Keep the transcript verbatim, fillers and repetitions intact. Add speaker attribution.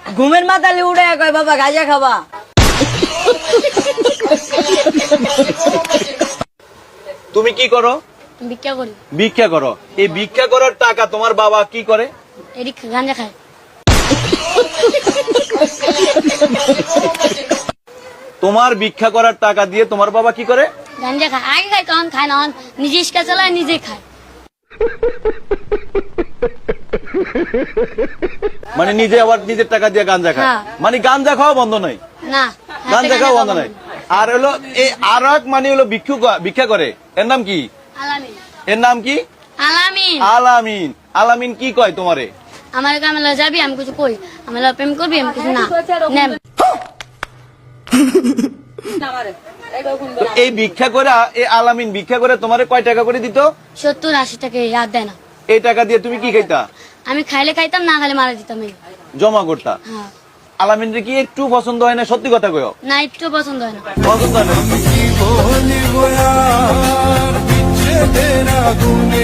Speaker 1: ঘুমের মাথালে উঠে কয় বাবা গাঁজা খাবা।
Speaker 2: তুমি কি করো?
Speaker 3: ভিক্ষা করি।
Speaker 2: ভিক্ষা করো। এই ভিক্ষা করার টাকা তোমার বাবা কি করে?
Speaker 3: এদিক গাঁজা খায়।
Speaker 2: তোমার ভিক্ষা করার টাকা দিয়ে তোমার বাবা কি করে?
Speaker 3: গাঁজা খায়। আগে খায় তখন খায় না, নিজে ইস্কা চালায় নিজে খায়।
Speaker 2: মানে নিজে আবার নিজের টাকা দিয়ে গাঁজা খায়।
Speaker 3: হ্যাঁ।
Speaker 2: মানে গাঁজা খাওয়া বন্ধ নয়?
Speaker 3: না,
Speaker 2: গাঁজা খাওয়া বন্ধ নয়। আর হলো এই আর এক মানে হলো ভিক্ষু ভিক্ষা করে, এর নাম কি?
Speaker 3: আলামিন।
Speaker 2: এর নাম কি?
Speaker 3: আলামিন।
Speaker 2: আলামিন। আলামিন কি কয় তোমারে?
Speaker 3: আমার কামেলা যাবি, আমি কিছু কই, আমি প্রেম করবি, আমি কিছু না নেম।
Speaker 2: তো এই ভিক্ষা করে এই আলামিন ভিক্ষা করে তোমারে কয় টাকা করে দিত?
Speaker 3: সত্তর আশি টাকা আর দেয় না।
Speaker 2: এই টাকা দিয়ে তুমি কি খাইতা?
Speaker 3: আমি খাইলে খাইতাম, না খাইলে মারা দিতাম। এই
Speaker 2: জমা করতা?
Speaker 3: হ্যাঁ।
Speaker 2: আলামিন কি একটু পছন্দ হয় না? সত্যি কথা কয়ো।
Speaker 3: না, একটু পছন্দ হয় না।
Speaker 2: পছন্দ হয় না।